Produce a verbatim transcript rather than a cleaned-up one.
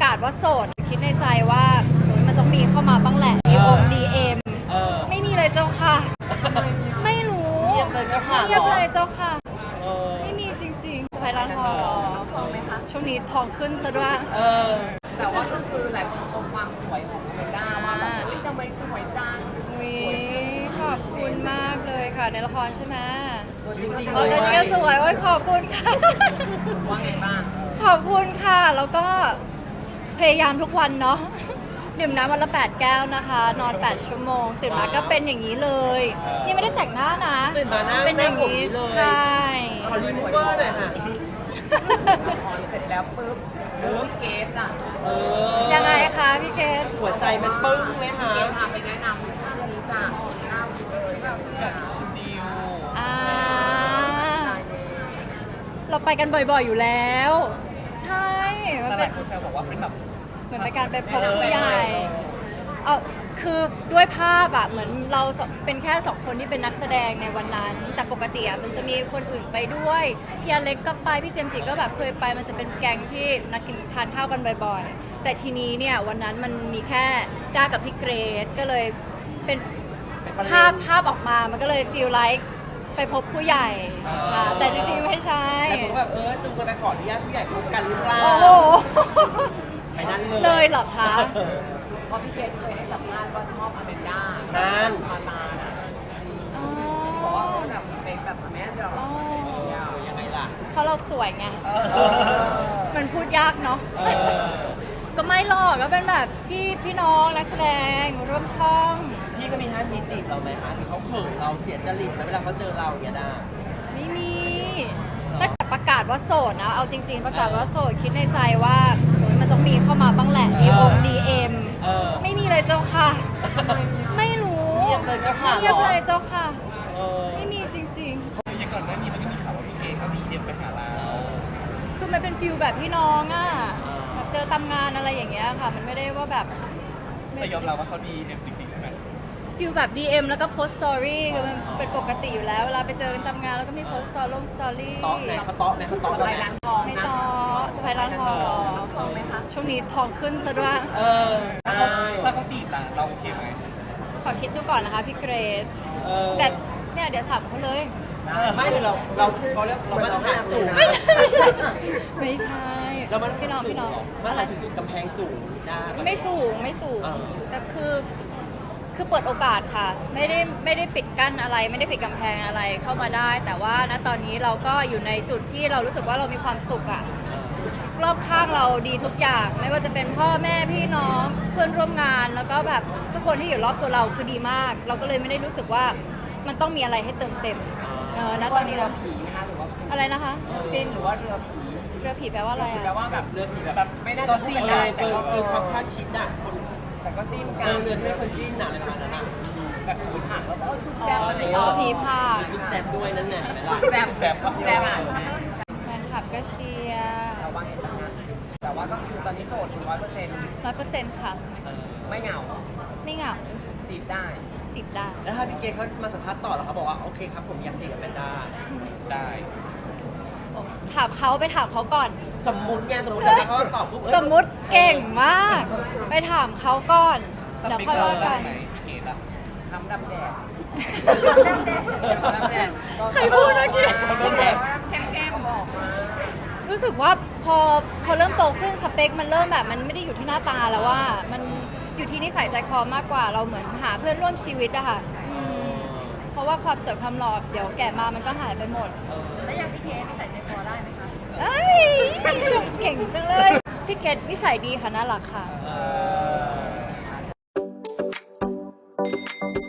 าศว่าโสดคิดในใจว่าโอ๊ยมันต้องมีเข้ามาบ้างแหละดีโอมดีเอ็มไม่มีเลยเจ้าค่ะไม่รู้เงียบเลยเจ้าค่ะเงียบเลยเจ้าค่ะเออไม่มีจริงๆไปร้านทองทองไหมคะช่วงนี้ทองขึ้นซะด้วยเออแต่ว่าก็คือหลายคนชมความสวยของเมด้าว่าแบบเฮ้ยทำไมสวยจังอุ๊ยขอบคุณมากเลยค่ะในละครใช่ไหมตัวจริงจริงเออแต่ก็สวยโอ้ยขอบคุณค่ะว่าไงบ้างขอบคุณค่ะแล้วก็พยายามทุกวันเนาะดื่มน้ำวันละแปดแก้วนะคะ นอนแปดชั่วโมงตื่นมาก็เป็นอย่างนี้เลยนี่ไม่ได้แต่งหน้านะตื่นมาหน้าเป็นอย่างหน้าผมนี้นี้เลยใช่ขอรีมูเวอร์หน่อยค่ะละครเสร็จแล้วปุ๊บปุ๊บเกสอ่ะเออยังไงคะพี่เกดหัวใจมันปึ้งไหมคะเกสพาไปแนะนำท่านนี้จ้ะหน้าเลยแบบเนี่ยคุณดิวอ่าตายเลยเราไปกันบ่อยๆอยู่แล้ว ใช่มันแต่หเป็ลาน ยคนแซวบอกว่าเป็นแบบเหมือนเป็นการไปพบผู้ใหญ่เอาคือด้วยภาพอะเหมือนเราสองเป็นแค่สองคนที่เป็นนักแสดงในวันนั้น แต่ปกติอะมันจะมีคนอื่นไปด้วยพี่อเล็กก็ไปพี่เจมส์จิก็แบบเคยไปมันจะเป็นแก๊งที่นัดกินทานข้าวกันบ่อยๆ แต่ทีนี้เนี่ยวันนั้นมันมีแค่ด้ากับพี่เกรซก็เลยเป็นภาพภาพออกมามันก็เลยฟีลไลค์ไปพบผู้ใหญ่ค่ะแต่จริงๆไม่ใช่แต่ผมแบบเออจูงกันไปขออนุญาตผู้ใหญ่คบกันหรือเปล่าโอ้โหไปนั่นเลยเลยเหรอคะเพราะพี่เกสเคยให้สัมภาษณ์ว่าชอบอเมนด้านั่นมาตาน่ะจริงอ๋อบอกว่าเขาแบบเป็นแบบแม่เดียวอ๋อยังไงล่ะเพราะเราสวยไงเออมันพูดยากเนาะเออก็ไม่หรอกก็เป็นแบบพี่พี่น้องนักแสดงร่วมช่องพี่ก็มีท่าทีจีบเราไหมคะหรือเขาเขินเราเสียจริตไหมเวลาเขาเจอเราอย่างเงี้ยด้าไม่มีถ้าประกาศว่าโสดนะ เอาจริง ๆ ประกาศว่าโสดคิดในใจว่าโอ๊ยมันต้องมีเข้ามาบ้างแหละดีโอมดีเอ็มเออไม่มีเลยเจ้าค่ะ ไม่รู้เงียบเลยเจ้าค่ะเงียบเลยเจ้าค่ะเออไม่มีจริงอย่างก่อนหน้านี้มันก็มีข่าวว่าพี่เกเขามีเอ็มไปหาเราๆ คือมันเป็นฟิลแบบพี่น้องอ่ะแบบเจอตามงานอะไรอย่างเงี้ยค่ะ มันไม่ได้ว่าแบบแต่ยอมรับว่าเขาดีเอ็มจริงๆใช่ไหมฟิลแบบ ดี เอ็ม แล้วก็โพสต์สตอรี่คือมันเป็นปกติอยู่แล้ว เวลาไปเจอกันตามงานแล้วก็มีโพสต์สตอรี่ลงสตอรี่เตาะไหนเขาเตาะไหนเขาเตาะไปเราไหนร้านทองไม่นะต่อสไปร้านทองทองไหมคะช่วงนี้ทองขึ้นซะด้วยเออถ้าเขาถ้าเขาจีบล่ะเราโอเคไหมขอคิดดูก่อนนะคะพี่เกรซเออแต่เนี่ยเดี๋ยวสัมเขาเลยไม่เลยเราเราเขาเรียกเรามาตรฐานสูงไม่ใช่เรามาตรพี่ฐาน้อน งสูงพี่น้องเหรอมาตรฐานสูงคือกำแพงสูงได้ไม่สูงไม่สูงเออแต่คือคือเปิดโอกาสค่ะ ไม่ได้ไม่ได้ปิดกั้นอะไร ไม่ได้ปิดกำแพงอะไรเข้ามาได้ แต่ว่าณตอนนี้เราก็อยู่ในจุดที่เรารู้สึกว่าเรามีความสุขอะรอบข้างเราดีทุกอย่าง ไม่ว่าจะเป็นพ่อแม่พี่น้องเพื่อนร่วมงาน แล้วก็แบบทุกคนที่อยู่รอบตัวเราคือดีมาก เราก็เลยไม่ได้รู้สึกว่ามันต้องมีอะไรให้เติมเต็มเออณตอนนี้เรืเราอผีนะคะหรือว่าอะไรนะคะจิ้นหรือว่าเรือผีเรือผีแปลว่าอะไรแปลอะว่าแบบเรื่องที่แบบแบบไม่น่าก็จะพูดจีกันเลได้ยแต่เกินก็เกินความคาดคิดอ่ะคนแต่ก็จิ้นกัเอน อเรือที่ไม่คนจิ้นหนักอะไรประมาณนั้นอ่ะแบบผีผักแล้วก็จุ๊บอ๋แจ๊บออะไรอ๋อเงี้ยผีผามีจุ๊บแจ๊บด้วยนั่นแหละเห็นไหมล่ะแจ๊บแจ๊บแจ๊บอ่ะแฟนคลับก็เชียร์แต่ว่าไงบ้างนะแต่ว่าก็คือตอนนี้โสดถึงร้อยเปอร์เซ็นต์ร้อยเปอร์เซ็นต์ค่ะไม่เหงาไม่เหงาจีบได้จีบได้แล้วถ้าพี่เกเขามาสัมภาษณ์ต่อแล้วเขาบอกว่าโอเคครับผมอยากจีบกับแมนด้าได้ถามเขาไปถามเขาก่อนสมมุติไงสมมุติแต่ถ้าเขาตอบปุ๊บเอ้ยสมมุติเก่งมาก ไปถามเขาก่อนสเดี๋ยวเปคค่อยเราว่าได้กันไหมพี่เกดอะทำดำแดดดำแดด ใครพูดเมื่อกี้พี่แจ๊บแก้มๆบอกมารู้สึกว่าพอพอเริ่มโตขึ้นสเปคมันเริ่มแบบมันไม่ได้อยู่ที่หน้าตาแล้วว่า มันอยู่ที่นิสัยใจคอมากกว่าเราเหมือนหาเพื่อนร่วมชีวิตอะค่ะอืมเพราะว่าความสวยความหล่อเดี๋ยวแก่มามันก็หายไปหมดเออแล้วอย่างพี่เคนิสัยใจคอได้ไหมคะเอ้ยชมเก่งจังเลย พี่เกดนิสัยดีค่ะน่ารักค่ะเออ